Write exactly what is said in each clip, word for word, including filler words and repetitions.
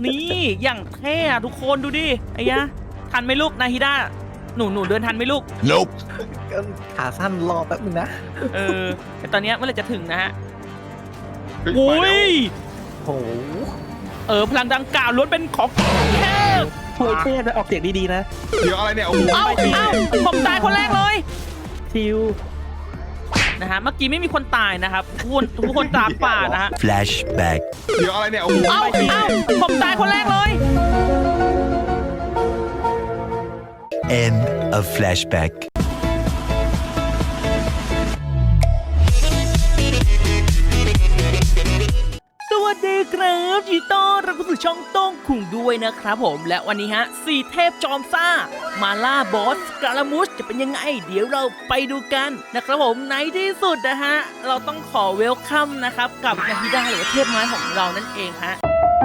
นี่อย่างเท่อะทุกคนดูดิไอ้ยะทันไหมลูกนาฮิดาหนูหนูเดินทันไหมลูก Nope ขาสั้นรอแป๊บนึงนะเออแต่ตอนเนี้ยเมื่อไหร่จะถึงนะฮะเฮ้ยโอ้มาแล้วยโอ้เออพลังดังกล่าวล้วนเป็นของเทพโหเท่นะออกเสียงดีๆนะเดี๋ยวอะไรเนี่ยโอ้โหเอ้าเอ้าผมตายคนแรกเลยชิวนะฮะเมื่อกี้ไม่มีคนตายนะครับทุกคนทุกคนตากป่านะฮะ Flashback เดี๋ยวอะไรเนี่ยโอ้โหเอ้าเอ้าผมตายคนแรกเลย End of flashback สวัสดีครับยินดีต้อนรับเข้าสู่ช่องโต้งคุงด้วยนะครับผมและวันนี้ฮะสี่เทพจอมซ่ามาล่าบอสกาลามุสจะเป็นยังไงเดี๋ยวเราไปดูกันนะครับผมในที่สุดนะฮะเราต้องขอเวลคัมนะครับกับนาฮิดาหรือว่าเทพไม้ของเรานั่นเองฮะ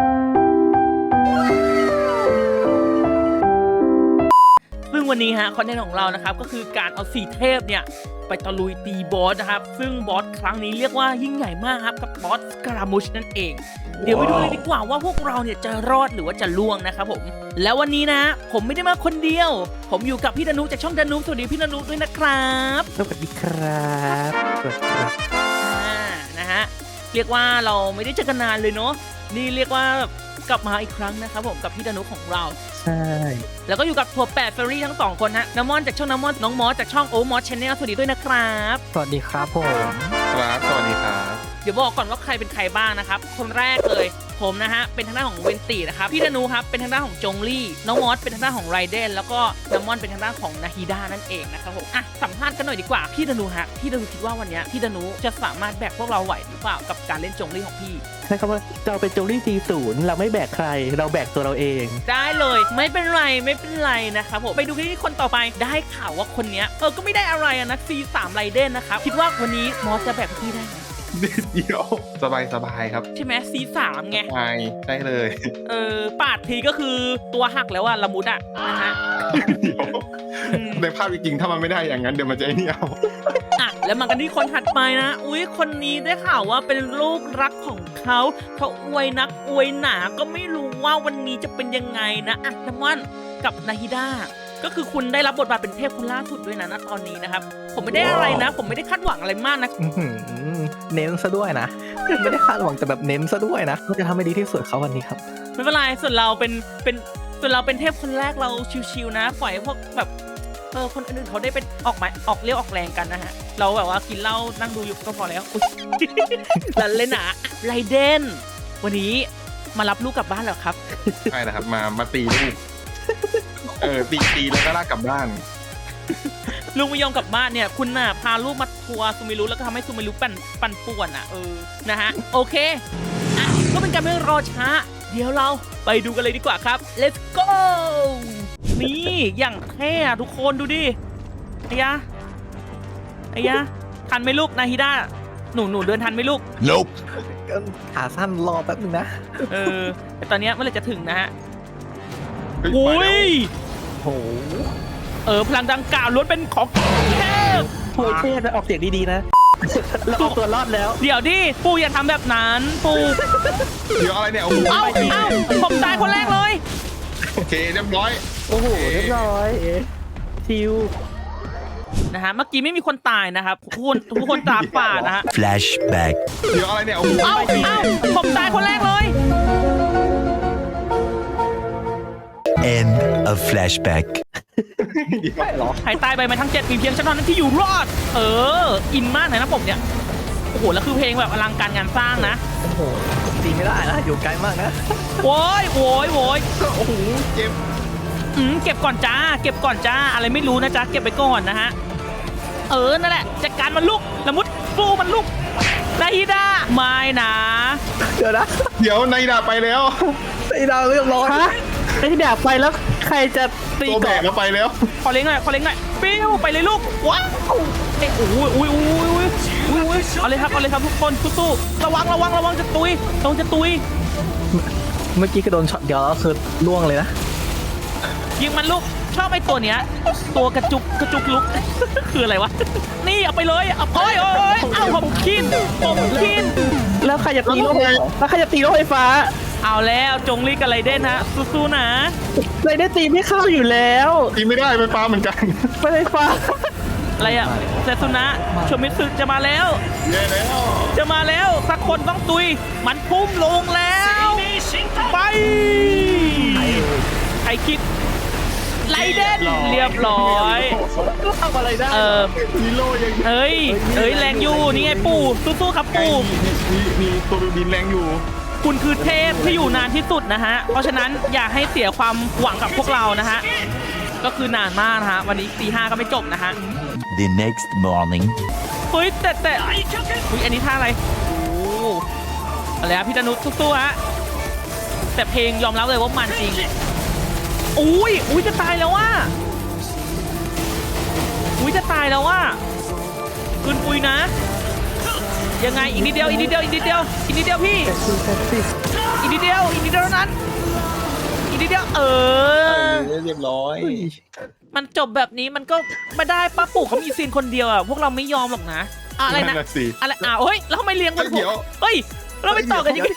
ซึ่งวันนี้ฮะคอนเทนต์ของเรานะครับก็คือการเอาสี่เทพเนี่ยไปตะลุยตีบอสนะครับซึ่งบอสครั้งนี้เรียกว่ายิ่งใหญ่มากครับกับบอสกรามุชนั่นเองเดี๋ยวไปดูเลยดีกว่าว่าพวกเราเนี่ยจะรอดหรือว่าจะล่วงนะครับผมแล้ววันนี้นะผมไม่ได้มาคนเดียว ผมอยู่กับพี่ดานุจากช่องดานุสวัสดีพี่ดานุด้วยนะครับสวัสดีครับสวัสดีครับอ่านะฮะเรียกว่าเราไม่ได้เจอกันนานเลยเนาะนี่เรียกว่ากลับมาอีกครั้งนะครับผมกับพี่ดานุของเราใช่แล้วก็อยู่กับทัวร์แปดเฟอรี่ทั้งสองคนฮะน้ำมอนจากช่องน้ำมอนน้องมอสจากช่องโอมอสชาแนลสวัสดีด้วยนะครับสวัสดีครับผมครับสวัสดีครับเดี๋ยวบอกก่อนว่าใครเป็นใครบ้างนะครับคนแรกเลยผมนะฮะเป็นทางด้านของเวนตีนะครับพี่ธนูครับเป็นทางด้านของจงลี่น้องมอสเป็นทางด้านของไรเดนแล้วก็น้ำมอนเป็นทางด้านของนาฮิดานั่นเองนะครับผมอ่ะสัมภาษณ์กันหน่อยดีกว่าพี่ธนูฮะพี่ธนูคิดว่าวันนี้พี่ธนูจะสามารถแบกพวกเราไหวหรือเปล่ากับการเล่นจงลี่ของพี่ใช่ครับว่าเราเป็นโจลี่ซีศูนย์เราไม่แบกใครเราแบกตัวเราเองได้เลยไม่เป็นไรไม่เป็นไรนะครับผมไปดูที่คนต่อไปได้ข่าวว่าคนเนี้ยเออก็ไม่ได้อะไรอะนะซีสามไรเดนนะครับคิดว่าวันนี้มอสจะแบกพี่ได้ไหมเดี๋ยวสบายสบายครับใช่ไหมซีสามไงใช่ใช่เลยเออปาดทีก็คือตัวหักแล้วอะละมุดอะนะฮะเดี๋ยวในภาพจริงๆถ้ามันไม่ได้อย่างนั้นเดี๋ยวมันจะไอ้นี่เอาอ่ะแล้วมากันที่คนถัดไปนะอุ้ยคนนี้ได้ข่าวว่าเป็นลูกรักของเขาเขาอวยนักอวยหนาก็ไม่รู้ว่าวันนี้จะเป็นยังไงนะอ่ะน้ำมันกับนาฮิดาก็คือคุณได้รับบทบาทเป็นเทพคนล่าสุดด้วยนะณตอนนี้นะครับผมไม่ได้อะไรนะ ผมไม่ได้คาดหวังอะไรมากนะอื้อหือเน้นซะด้วยนะ ไม่ได้คาดหวังแต่แบบเน้นซะด้วยนะเราจะทำให้ดีที่สุดเขาวันนี้ครับไม่เป็นไรส่วนเราเป็นเป็นส่วนเราเป็นเทพคนแรกเราชิวๆนะปล่อยให้พวกแบบเออคนอื่นๆเขาได้เป็นออกมาออกเรียวออกแรงกันนะฮะเราแบบว่ากินเหล้านั่งดูอยู่ก็พอแล้วอุ๊ย ลันเลยนะไรเดนวันนี้มารับลูกกลับบ้านแล้วครับใช่นะครับมามาตีลูกเออตีตีแล้วก็ลากกลับบ้านลุงไม่ยอมกลับบ้านเนี่ยคุณน่ะพาลูกมาทัวร์ซูมิรุแล้วก็ทำให้ซูมิรุปั่นปั่นป่วนอ่ะเออนะฮะโอเคอ่ะก็เป็นการไม่รอช้า เดี๋ยวเราไปดูกันเลยดีกว่าครับ let's go นี่อย่างเท่อะทุกคนดูดิไอ้ยะไอ้ยะทันไหมลูกนาฮิดาหนูหนูเดินทันไหมลูก Nope ขาสั้นรอแป๊บนึงนะเออแต่ตอนเนี้ยเมื่อไหร่จะถึงนะฮะเฮ้ยโอ้มาแล้วยโหเออพลังดังกล่าวล้วนเป็นของเทพโหเท่นะออกเสียงดีๆนะเราเอาตัวรอดแล้วเดี๋ยวดิปูอย่าทำแบบนั้นปูเดี๋ยวอะไรเนี่ยโอ้โหเอ้าเอ้าผมตายคนแรกเลยโอเคเรียบร้อยโอ้โหเรียบร้อยชิวนะฮะเมื่อกี้ไม่มีคนตายนะครับทุกคนทุกคนตากป่านะฮะ Flashback เดี๋ยวอะไรเนี่ยโอ้โหเอ้าเอ้าผมตายคนแรกเลย End of flashback ใช่เหรอใครตายไปมาทั้งเจ็ดมีเพียงฉันเท่านั้นที่อยู่รอด เอออินมากเลยนะผมเนี่ยโอ้โหแล้วคือเพลงแบบอลังการงานสร้างนะโอ้โหตีไม่ได้นะอยู่ไกลมากนะโว้ยโว้ยโว้ยโอ้โหเจ็บอืมเก็บก่อนจ้าเก็บก่อนจ้าอะไรไม่รู้นะจ๊ะเก็บไปก่อนนะฮะเออนั่นแหละจัดการมันลุกละมุดฟูมันลุกนาฮิดาไม่นะเดี๋ยวนะเดี๋ยวในดาไปแล้วตีดาวเรียบร้อยฮะไอ้ที่แบบไปแล้วใครจะตีตัวแบก่อนกแล้วไปแล้วขอเลี้ยงหน่อยขอเลี้ยงหน่อยปิ้วไปเลยลูกว้าวเอ้ยโอ้ยโอ้ยโอ้ยโอ้ยโอ้ยโอ้ยเอาเลยครับเอาเลยครับทุกคนสู้ๆระวังระวังระวังจะตุยระวังจะตุยเมื่อกี้ก็โดนช็อตเดียวแล้วคือล่วงเลยนะยิงมันลูกชอบไอ้ตัวเนี้ยตัวกระจุกกระจุกลุก คืออะไรวะนี่เอาไปเลยเอาโอ้ยโอ้ยเอาผมคินผมคินแล้วใครจะตีรถไฟแล้วใครจะตีรถไฟฟ้าเอาแล้วจงรีกับไรเดนฮะสู้ๆนะไรได้ตีไม่เข้าอยู่แล้วตีไม่ได้ไฟฟ้าเหมือนกันไม่ได้ฟ้าอะไรอะเซซุนะโชมิสึจะมาแล้วเย้แล้วจะมาแล้วสักคนต้องตุย มันพุ่มลงแล้วไปใครคิดไรเดนเรียบร้อยทำอะไรได้เออฮีโร่ยังเอ้ยเอ้ยแรงอยู่นี่ไงปู่สู้ๆครับปู่มีมีมีตัวบินแรงอยู่คุณคือเทพที่อยู่นานที่สุดนะฮะ เพราะฉะนั้นอย่าให้เสียความหวังกับพวกเรานะฮะ ก็คือนานมากนะฮะ วันนี้ตีห้าก็ไม่จบนะฮะ The next morning. เฮ้ยแต่แต่อุ้ยอันนี้ท่าอะไรโอ้อะไรอะพี่ดนุชสู้ๆฮะ แต่เพลงยอมรับเลยว่ามันจริง อุ้ยอุ้ยจะตายแล้วว่ะอุ้ยจะตายแล้วว่ะคืนปุยนะ ยังไงอีกนิดเดียวอีกนิดเดียวอีกนิดเดียวอีกนิดเดียวพี่อีกนิดเดียวอีกนิดเดียวเท่านั้นอีกนิดเดียวเออเรียบร้อยมันจบแบบนี้มันก็ไม่ได้ป้าปู่เขามีซีนคนเดียวอ่ะพวกเราไม่ยอมหรอกนะอะอะไรนะนั่นน่ะสิอะไรอ่ะเฮ้ยแล้วทำไมเลี้ยงกันเดี๋ยวเฮ้ยเราไม่ต่อกันอย่างนี้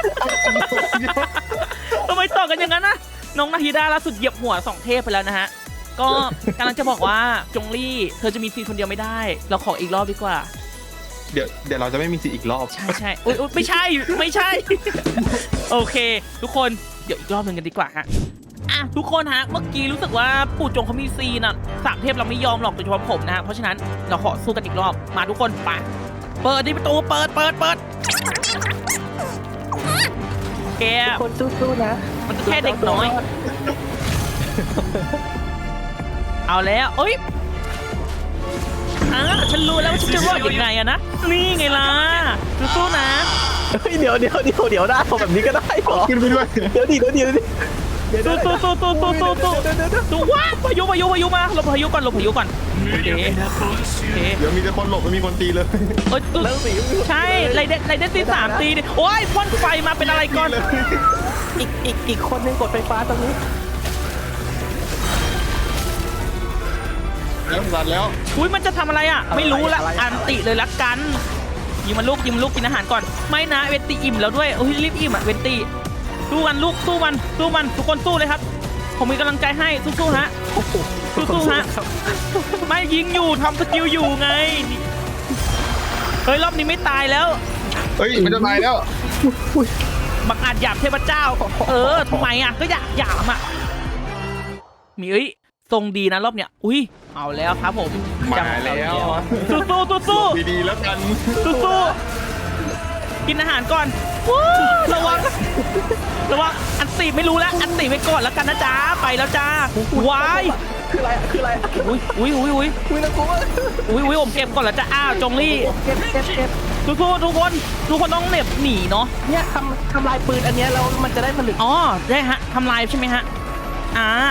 ทำไมต่อกันอย่างนั้นนะน้องนาฮิดาล่าสุดเหยียบหัวสองเทพไปแล้วนะฮะก็กำลังจะบอกว่าจงลี่เธอจะมีซีนคนเดียวไม่ได้ เราขออีกรอบดีกว่าเดี๋ยวเดี๋ยวเราจะไม่มีสิทธิ์อีกรอบใช่ใช่อุ๊ยอุ๊ยไม่ใช่ไม่ใช่ โอเค ทุกคนเดี๋ยวอีกรอบหนึ่งกันดีกว่าฮะอ่ะทุกคนฮะเมื่อกี้รู้สึกว่าปู่จงเขามีซีนอ่ะสามเทพเราไม่ยอมหรอกโดยเฉพาะผมนะฮะเพราะฉะนั้นเราขอสู้กันอีกรอบมาทุกคนไปเปิดดิประตูเปิดเปิดเปิดแกคนสู้ๆนะมันก็แค่เด็กน้อย เอาแล้วเอ้ยอ่ะฉันรู้แล้วว่าฉันจะรอดยังไงอะนะนี่ไงล่ะสู้ๆนะเฮ้ยเดี๋ยวเดี๋ยวเดี๋ยวเดี๋ยวได้ทำแบบนี้ก็ได้เหรอขึ้นไปด้วยเดี๋ยวดิเดี๋ยวดิเดี๋ยวดิเดี๋ยวตู้ตู้ตู้ตู้ตู้ตู้ตู้เดี๋ยวเดี๋ยวเดี๋ยวตู้ว้าพายุพายุพายุมาหลบพายุก่อนหลบพายุก่อนโอเคโอเคเดี๋ยวมีแต่คนหลบไม่มีคนตีเลยเอ้ยตู้แล้วสิใช่ไรเด็ดไรเด็ดตีสามตีดิโอ้ยพ่นไฟมาเป็นอะไรก่อนอีกอีกอีกคนนึงกดไฟฟ้าตรงนี้แล้วสัตว์แล้วอุ้ยมันจะทำอะไรอ่ะไม่รู้ละอันติเลยละกันยิงมันลูกยิงมันลูกกินอาหารก่อนไม่นะเวนตีอิ่มแล้วด้วยโอ้ยรีบอิ่มอ่ะเวนตีสู้มันลูกสู้มันสู้มันทุกคนสู้เลยครับผมมีกำลังใจให้สู้ๆฮะ สู้ๆฮะ ไม่ยิงอยู่ทำสกิลอยู่ไงเฮ้ยรอบนี้ไม่ตายแล้วเฮ้ยมันจะตายแล้วบังอาจหยาบเทพเจ้า เออทำไมอ่ะก็อยากหยามอ่ะมีเอ้ยทรงดีนะรอบเนี้ยอุ้ยเอาแล้วครับผมมาแล้วสู้สู้สู้สู้ดีๆแล้วกันสู้สู้กินอาหารก่อนวู้ระวังระวังอันตีไม่รู้แล้วอันตีไปก่อนแล้วกันนะจ๊ะไปแล้วจ้าวายคืออะไรอะคืออะไรอะอุ้ยอุ้ยอุ้ยอุ้ยอุ้ยน่ากลัวอุ้ยอุ้ยผมเก็บก่อนแล้วจ้ะอ้าวจงลี่เก็บเก็บเก็บทุกทุกทุกคนทุกคนต้องเหน็บหนีเนาะเนี่ยทำทำลายปืนอันเนี้ยแล้วมันจะได้ผลึกอ๋อได้ฮะทำลายใช่ไหมฮะอ่าก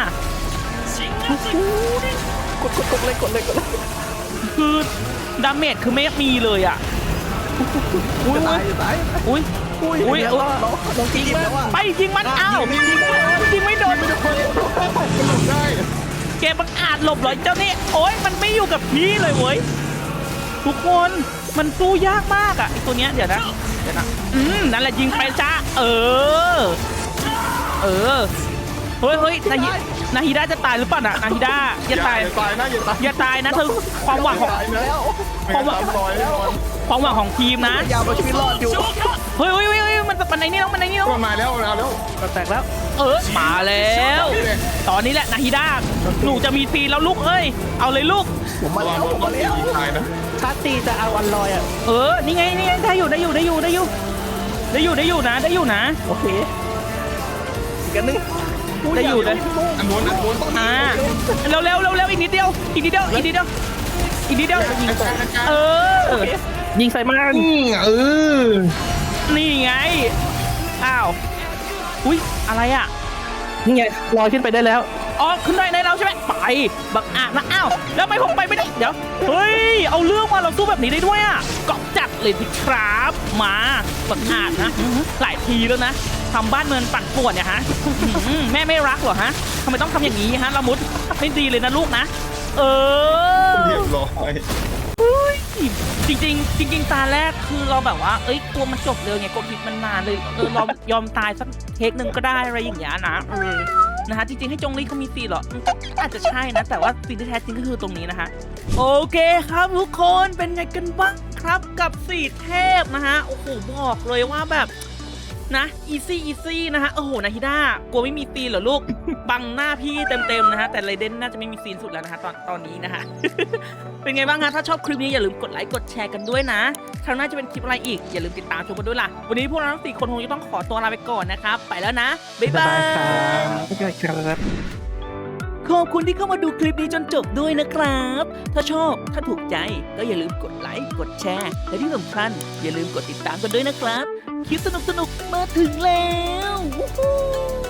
ดกดกดเลยกดเลยกดเลยคือดาเมจคือไม่มีเลยอ่ะอุ้ยจะตายจะตายอุ้ยอุ้ยอุ้ยเดี๋ยวอุ้ยเราเราตีแล้วอะไปยิงมันอ้าวยิงไม่โดนได้เกมมันอาจหลบเหรอเจ้านี่โอ้ยมันไม่อยู่กับพี่เลยเว้ยทุกคนมันสู้ยากมากอ่ะไอตัวเนี้ยเดี๋ยวนะเดี๋ยวนะอืมนั่นแหละยิงไปจ้าเออ เออเฮ้ยเฮ้ยนาฮินาฮิดาจะตายหรือเปล่าน่ะนาฮิดาอย่าตายอย่าตายนะอย่าตายอย่าตายนะเธอความหวังของตายนะแล้วไม่งั้นซ้ำรอยแน่นอนความหวังของทีมนะยาวเอาชีวิตรอดอยู่เฮ้ยเฮ้ยเฮ้ยเฮ้ยมันมันในนี่แล้วมันในนี่แล้วมันมาแล้วมาแล้วกระแตกแล้วเออมาแล้ว ตอนนี้แหละนาฮิดาหนูจะมีซีนแล้วลูกเอ้ยเอาเลยลูกผมมาระแล้วังวโดผมนมาแล้วตีตายนะชาร์จตีจะเอาวันลอยอ่ะเออนี่ไงนี่ไงได้อยู่ได้อยู่ได้อยู่ได้อยู่ได้อยู่ได้อยู่นะได้อยู่นะโอเคอีกอันนึงได้อยู่เลยอันนู้นอันนู้นอ่าเร็วเร็วเร็วเร็วอีกนิดเดียวอีกนิดเดียวอีกนิดเดียวอีกนิดเดียวเออยิงใส่มันเออนี่ไงอ้าวอุ้ยอะไรอ่ะนี่ไงลอยขึ้นไปได้แล้วอ๋อขึ้นได้ในเราใช่ไหมไปบักอาจนะอ้าวแล้วทำไมผมไปไม่ได้เดี๋ยวเฮ้ยเอาเรื่องมาเราสู้แบบนี้ได้ด้วยอ่ะก็จัดเลยสิครับมาบักอาจนะหลายทีแล้วนะทำบ้านเมืองปั่นป่วนเนี่ยฮะอื้อแม่ไม่รักเหรอฮะทำไมต้องทำอย่างนี้ฮะละมุดไม่ดีเลยนะลูกนะเออเรียบร้อยจริงๆจริงๆตาแรกคือเราแบบว่าเอ้ยกลัวมันจบเร็วไงกลัวคลิปมันนานเลยเออเรายอมตายสักเทคหนึ่งก็ได้อะไรอย่างเงี้ยนะเออนะฮะจริงๆให้จงลี่เขามีซีนเหรอมันก็อาจจะใช่นะแต่ว่าซีนที่แท้จริงก็คือตรงนี้นะฮะโอเคครับทุกคนเป็นไงกันบ้างครับกับสี่เทพนะฮะโอ้โหบอกเลยว่าแบบนะอีซี่อีซี่นะฮะโอ้โหนาฮิด้ากลัวไม่มีซีนเหรอลูก บังหน้าพี่เต็มๆนะฮะแต่ไรเดนน่าจะไม่มีซีนสุดแล้วนะฮะตอนตอนนี้นะฮะ เป็นไงบ้างฮะถ้าชอบคลิปนี้อย่าลืมกดไลค์กดแชร์กันด้วยนะคราวหน้าจะเป็นคลิปอะไรอีกอย่าลืมติดตามชมกันด้วยล่ะวันนี้พวกเราทั้งสี่คนคงจะต้องขอตัวลาไปก่อนนะครับไปแล้วนะบ๊ายบายครับบ๊ายบายครับขอบคุณที่เข้ามาดูคลิปนี้จนจบด้วยนะครับ ถ้าชอบถ้าถูกใจก็อย่าลืมกดไลค์กดแชร์และที่สำคัญอย่าลืมกดติดตามกันด้วยนะครับคลิปสนุกๆมาถึงแล้ววู้ฮู้